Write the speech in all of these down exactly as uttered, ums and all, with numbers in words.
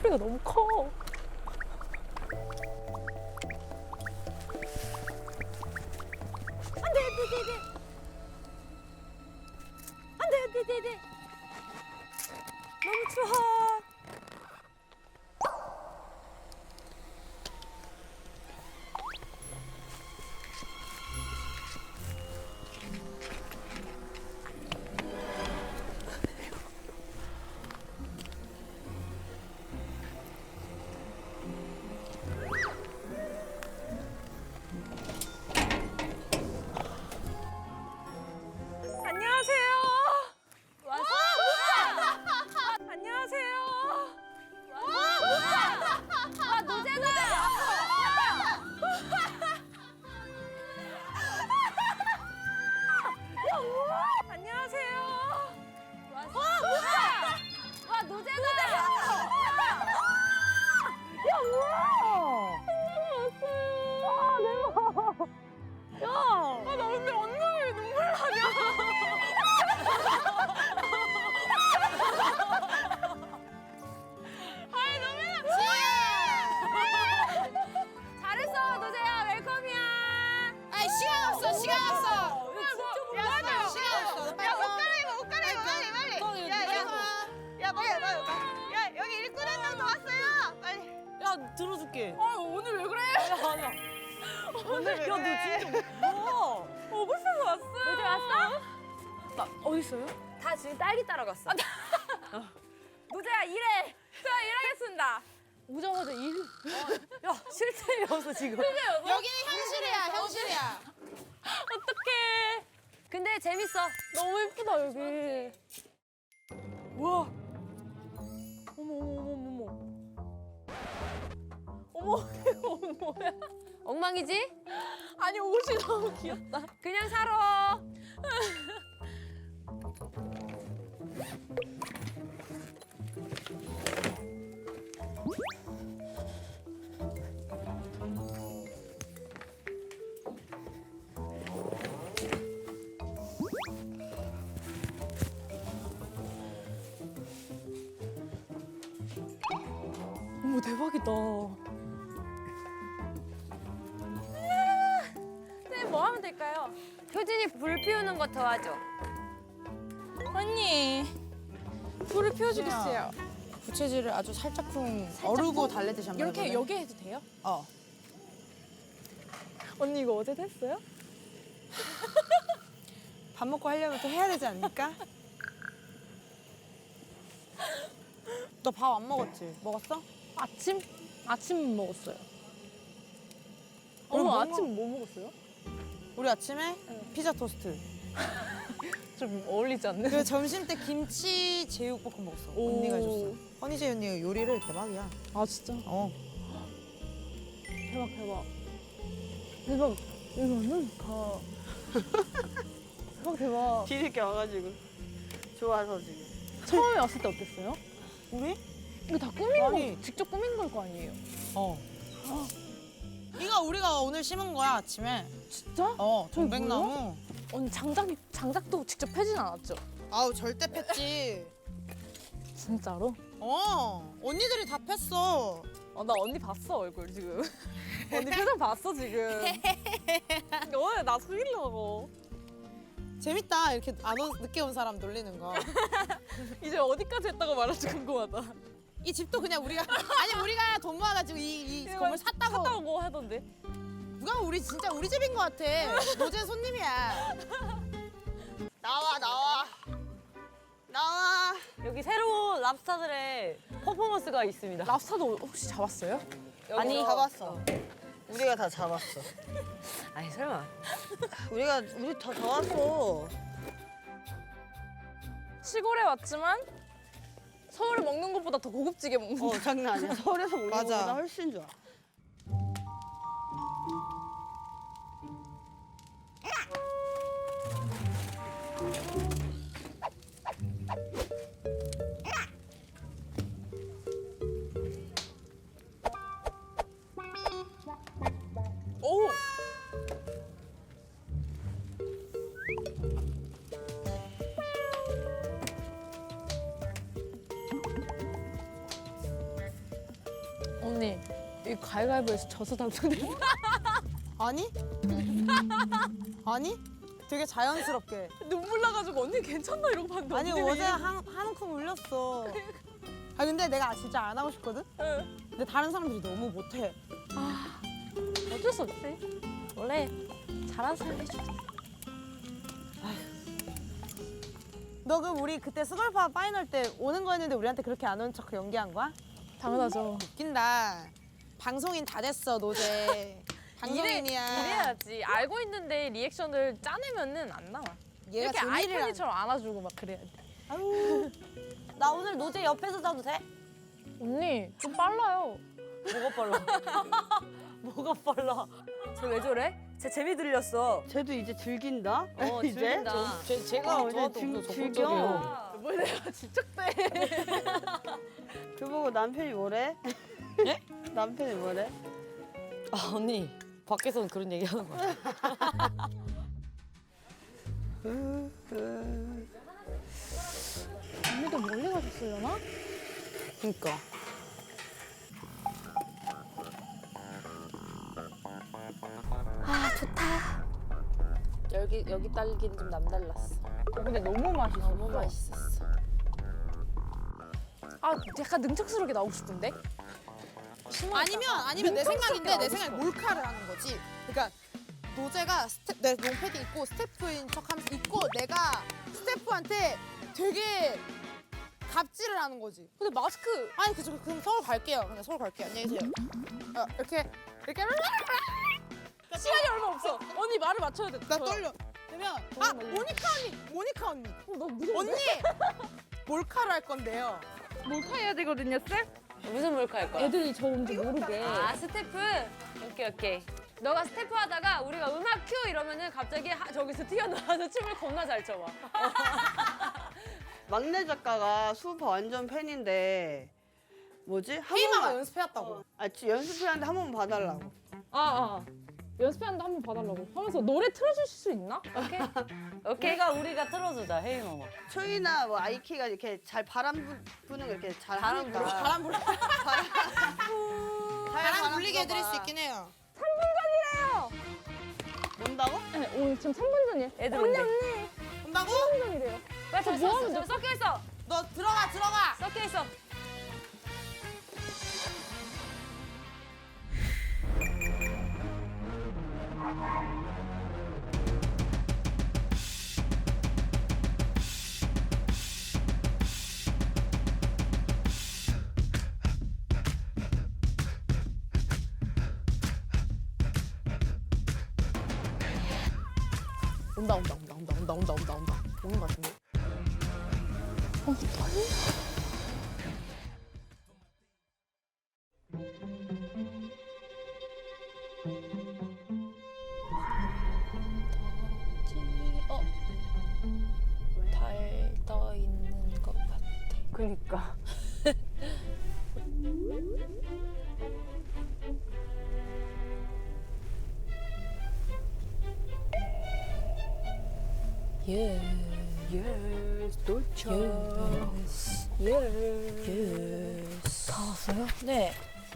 소리가 너무 커. 안돼 안돼 안돼 안돼 안돼 안돼 안돼 너무 추워. 안녕하세요. 왔어? 안녕하세요. 와, 뭐야? 아, 노제다. 안녕하세요. 와, 뭐야? 와, 노제다. 야, 뭐야? 왔어요. 아, 대박. 야, 아, 나 근데 언니 눈물 나냐? 아이 너무 잘했어 노재야 웰컴이야. 아이 시간 없어 시간 없어. 야 맞아. 시간 없어. 빨리 야옷 갈아입어 옷 갈아입어 빨리 빨리. 야야 야 빨리 빨리. 야 여기 일꾼 한 명 더 왔어요. 빨리. 야 들어줄게. 아 오늘 왜 그래? 아니야. 오늘 왜 야 너 그래? 진짜 뭐야? 어 벌써 왔어. 노재 왔어? 나 어디 있어요? 다 지금 딸기 따라갔어. 노재야 일해. 자 일하겠습니다. 오자마자 일. 야 실체여서 지금. 여기는 현실이야 현실이야. 어떡해. 근데 재밌어. 너무 예쁘다 여기. 우와. 어머 어머 어머 어머. 어머 이거 뭐야? 엉망이지? 아니 옷이 너무 귀엽다. 그냥 살아. 어머 대박이다. 네, 뭐 하면 될까요? 효진이 불 피우는 거 도와줘. 언니 불을 피워주겠어요. 부채질을 아주 살짝쿵 어르고 달래듯이 한번 이렇게 해볼래? 여기 해도 돼요? 어. 언니 이거 어제 했어요? 밥 먹고 하려면 또 해야 되지 않을까? 너 밥 안 먹었지? 먹었어? 아침? 아침 먹었어요. 오늘 어머 뭐 아침 뭐 먹었어요? 우리 아침에 피자 토스트. 좀 어울리지 않는? 그 점심 때 김치 제육볶음 먹었어. 오. 언니가 해줬어. 허니제 언니가 요리를 대박이야. 아 진짜? 어. 대박 대박. 대박. 이거 완전 좋다. 대박 대박. 뒤늦게 와가지고 좋아서 지금. 처음에 왔을 때 어땠어요? 우리? 이거 다 꾸민 아니. 거, 직접 꾸민 걸 거 아니에요? 어. 이거 우리가 오늘 심은 거야 아침에. 진짜? 어. 저기 동백나무. 언니 장작, 장작도 직접 패진 않았죠? 아우 절대 팼지. 진짜로? 어. 언니들이 다 팼어. 아, 나 언니 봤어 얼굴 지금. 언니 표정 봤어 지금. 오늘 나 속이려고. 재밌다. 이렇게 안 오, 늦게 온 사람 놀리는 거. 이제 어디까지 했다고 말할지 궁금하다. 이 집도 그냥 우리가 아니 우리가 돈 모아가지고 이, 이 건물 샀다고. 샀다고 하던데. 누가 우리 진짜 우리 집인 것 같아. 노제 손님이야. 나와 나와 나와. 여기 새로운 랍스타들의 퍼포먼스가 있습니다. 랍스타도 혹시 잡았어요? 아니 잡았어. 우리가 다 잡았어. 아니 설마. 우리가 우리 다 잡았어. 시골에 왔지만 서울에 먹는 것보다 더 고급지게 먹는다. 어 장난 아니야. 서울에서 먹는 맞아. 것보다 훨씬 좋아. 오! 이 가위바위보에서 져서 당첨됐어. 아니? 아니? 되게 자연스럽게. 눈물 나가지고 언니 괜찮나 이러고 봤는데 아니 언니가 어제 한, 한 움큼 울렸어. 아 근데 내가 진짜 안 하고 싶거든? 응. 근데 다른 사람들이 너무 못해. 어쩔 수 없지. 원래 잘하는 사람이 좋아. 너 그럼 우리 그때 스걸파 파이널 때 오는 거였는데 우리한테 그렇게 안 오는 척 연기한 거야? 당연하죠. 웃긴다. 방송인 다 됐어 노제. 방송인이야. 이래야지. 알고 있는데 리액션을 짜내면은 안 나와. 얘가 이렇게 재미를 안- 아이콘이처럼 안아주고 막 그래야 돼. 아유. 나 오늘 노제 옆에서 자도 돼? 언니 좀 빨라요. 뭐가 빨라? 뭐가 빨라? 쟤 왜 저래? 쟤 재미 들렸어. 쟤도 이제 즐긴다? 어, 이제? 즐긴다. 제, 제가 이제 즐, 즐겨. 뭘 내가 집착돼. 그보고 남편이 뭐래? 예? 남편이 뭐래? 아 언니 밖에서는 그런 얘기 하는 거야. 언니도 멀리 가셨으려나? 그니까. 여기 여기 딸기는 좀 남달랐어. 근데 너무 맛있어. 너무 맛있었어. 아 약간 능척스럽게 나오고 싶은데? 아니면 아니면 내 생각인데 내 생각에 몰카를 하는 거지. 그러니까 노제가 스텝, 내 롱패딩 입고 스태프인 척하면서 입고 내가 스태프한테 되게 갑질을 하는 거지. 근데 마스크 아니 그저 그럼 서울 갈게요. 그냥 서울 갈게요. 안녕히 계세요. 어, 이렇게 이렇게 시간이 얼마 없어. 언니 말을 맞춰야 돼. 나 떨려. 그러면 아 모니카 언니, 모니카 언니, 어, 나 무서워. 언니 몰카를 할 건데요. 몰카해야 되거든요, 쌤? 무슨 몰카 할 거야? 애들이 저 뭔지 모르게. 아 스태프? 오케이 오케이. 너가 스태프 하다가 우리가 음악 큐 이러면은 갑자기 하, 저기서 튀어나와서 춤을 겁나 잘 춰봐. 막내 작가가 수우파 완전 팬인데 뭐지? 한 헤이마가 번만 연습해왔다고. 아, 지- 연습회하는데 한 번만 봐달라고. 아, 아. 연습하는데 한 번 봐달라고 하면서 노래 틀어주실 수 있나? 오케이. 오케이. 걔가 우리가 틀어주자 헤이마마. 초이나 뭐 아이키가 이렇게 잘 바람 부- 부는 거 이렇게 잘 바람 하니까. 불어? 바람 불 잘 바람 불리게 불어봐. 해드릴 수 있긴 해요. 온다고? 네, 오늘 지금 삼 분 전이에요. 애들 언니, 온대. 언니. 온다고? 삼 분 전이래요. 빨리 저 뭐 뭐 하면 저 섞여 있어. 너 들어가 들어가. 섞여 있어. 온다 온다 온다 온다 온다 온다 온다 온다 오는 것 같은데. 어. 달 떠 있는 것 같아. 그니까. 예. 예스 도착. 예스. 예스. 다 왔어요? 네.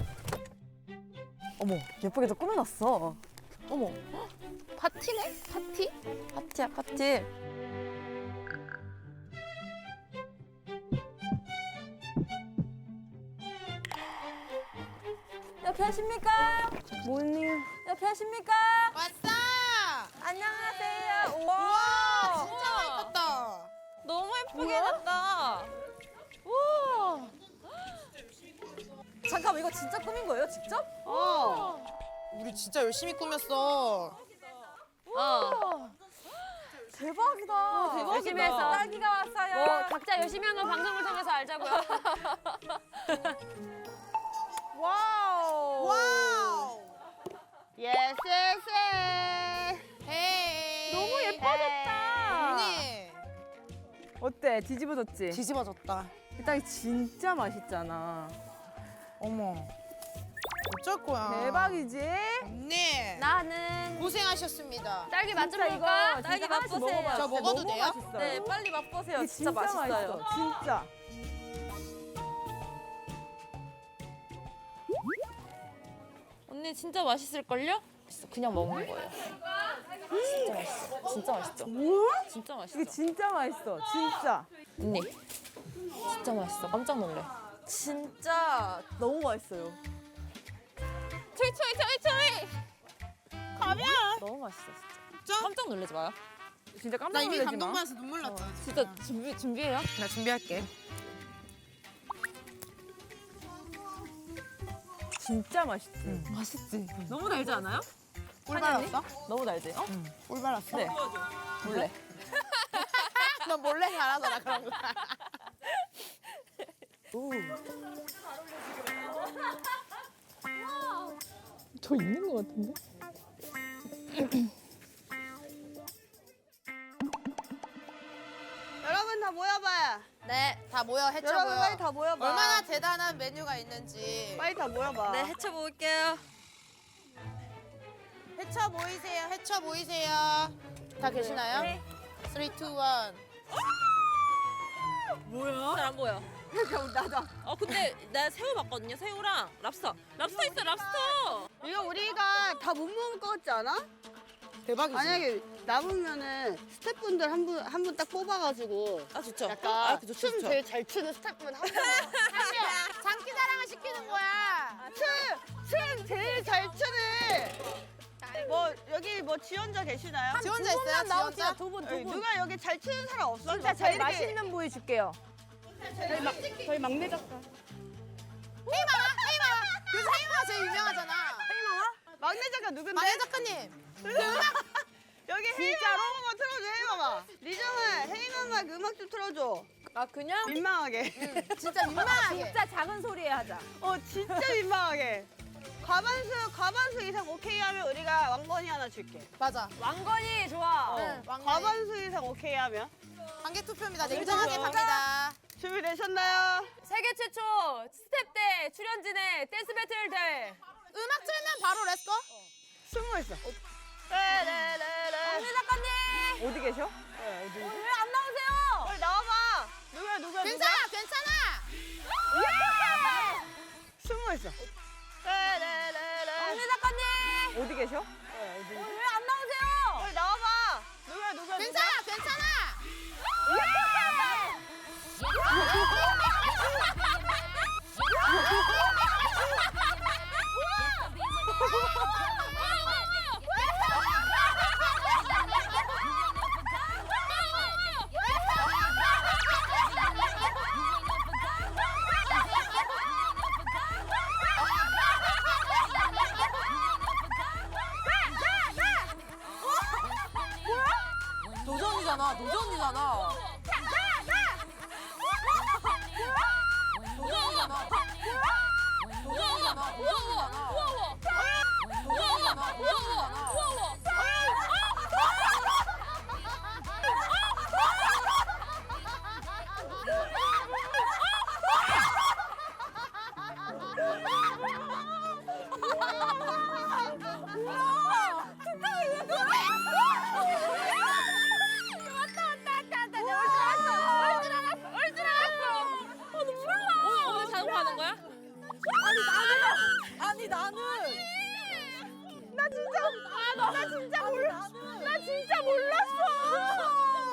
어머 예쁘게 도 꾸며놨어. 어머. 파티네? 파티? 파티야 파티. 옆에 하십니까? 뭐니? 옆에 하십니까? 왔어. 안녕하세요. 와 진짜 많이 컸다. 너무 예쁘게 해놨다. 우와. 잠깐만 이거 진짜 꾸민 거예요 직접? 어. 우리 진짜 열심히 꾸몄어. 어. 대박이다. 대박이다. 열심히 해서. 딸기가 왔어요. 뭐 각자 열심히 하는 방송을 통해서 알자고요. 와우. 와우. 예스 예스. 헤이. 너무 예뻐졌다. 언니. 어때? 뒤집어졌지? 뒤집어졌다. 이 딸기 진짜 맛있잖아. 어머. 어쩔 거야. 대박이지? 언니. 나는 고생하셨습니다. 딸기 맛 좀 진짜 볼까? 이거 딸기 진짜 하나씩 맛보세요. 먹어봐요. 저 진짜 먹어도 너무 돼요? 맛있어요. 네, 빨리 맛보세요. 이게 진짜, 맛있어요. 맛있어, 진짜. 언니 진짜 맛있을걸요? 그냥 먹는 거예요. 진짜 맛있어. 진짜 맛있죠? 뭐야? 진짜 맛있어. 이게 진짜 맛있어. 진짜. 언니 진짜 맛있어. 깜짝 놀래. 진짜 너무 맛있어요. 초이 초이 초이 초이. 가면. 너무 맛있어 진짜. 깜짝 놀라지 마요. 진짜 깜짝 나 이미 놀라지 마. 감동받아서 눈물 났잖아. 진짜 준비 준비해요. 나 준비할게. 진짜 맛있지. 맛있지. 너무 달지 않아요? 꿀 발랐어? 너무 달지? 어? 꿀 발랐어? 네. 몰래. 너 몰래 잘하더라 그런 거. 저 있는 것 같은데? 여러분 다 모여봐요. 네, 다 모여 해쳐 여러분 모여. 빨리 다 모여봐. 얼마나 대단한 메뉴가 있는지. 빨리 다 모여봐. 네, 해쳐 볼게요. 해쳐 모이세요. 해쳐 모이세요. 다 계시나요? 네. 삼, 이, 일. 뭐야? 잘 안 보여. 나다. 어, 근데 나 새우 봤거든요. 새우랑 랍스터. 랍스터 있어, 랍스터. 이거 우리가 다 못 먹을 것 같지 않아? 대박이지. 만약에 남으면은 스태프분들 한 분 한 분 딱 뽑아가지고 아, 좋죠. 약간 아, 그죠, 춤 좋죠. 제일 잘 추는 스태프분 한 분. 장기 자랑을 시키는 거야. 춤 제일 잘 추는. 뭐 여기 뭐 지원자 계시나요? 지원자 있어요? 지원자? 두 분, 여기 두 분. 누가 여기 잘 추는 사람 없어? 진짜 제일 맛있는 부위 줄게요. 저희 막내 작가. 헤이마가? 헤이마가? 요새 헤이마가 제일 유명하잖아. 막내 작가 누군데? 만혜 작가님. 여기 헤이마마 한번 틀어줘 헤이마마. 리정아 헤이마마 그 음악 좀 틀어줘. 아 그냥? 민망하게. 진짜 민망하게. 진짜 작은 소리에 하자. 어 진짜 민망하게. 과반수 과반수 이상 오케이 하면 우리가 왕건이 하나 줄게. 맞아. 왕건이 좋아. 응, 왕관이. 과반수 이상 오케이 하면 관계 투표입니다. 냉정하게 갑니다. 준비되셨나요? 세계 최초 스텝 대 출연진의 댄스 배틀 대회. 음악 틀면 바로 렛츠고. 숨어 있어. 네네네네. 황미 작가님 어디 계셔? 왜 안 나오세요? 빨리 나와봐. 누구야 누구야 괜찮아, 괜찮아. 숨어 있어. 네네네네. 황미 작가님 어디 계셔? 왜 안 나오세요? 빨리 나와봐. 누구야 누구야 괜찮아, 괜찮아. 도전이잖아, 도전이잖아. 도전이잖아. 도전이잖아, 도전이잖아. 도전이잖아, 도전이잖아. 오늘 자동 가는 거야? 아니 나는 나 진짜 아, 나, 나 진짜 몰라 나 진짜 몰랐어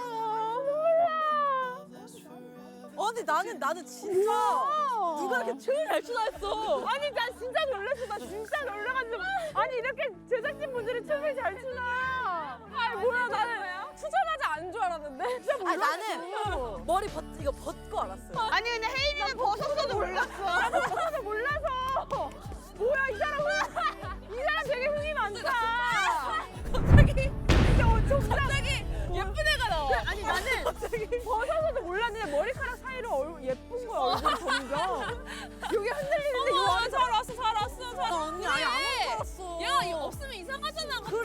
몰라 아니 나는 나는 진짜 누가 이렇게 춤을 잘 추나 했어 아니 나 진짜 놀랐어 나 진짜 놀라가지고 아니 이렇게 제작진분들이 춤을 잘 추나 아니 뭐야 나는 추자마자 안 줄 알았는데 진짜 몰랐어 나는 머리 벗 이거 벗고 알았어요 아니 근데 혜인이는 벗었어도 몰랐어. 나도 처음에 몰라서 뭐야 이 사람 흥- 이 사람 되게 흥이 많다 갑자기 진짜 어, 정말 갑자기 예쁜 애가 나와 아니 나는 벗어서도 몰랐는데 머리카락 사이로 얼, 예쁜 거야 얼굴이 점점 여기 흔들리는데 이거 잘 왔어, 잘 왔어, 잘 왔어. 언니 아예 안 왔어 야, 이거 없으면 이상하잖아.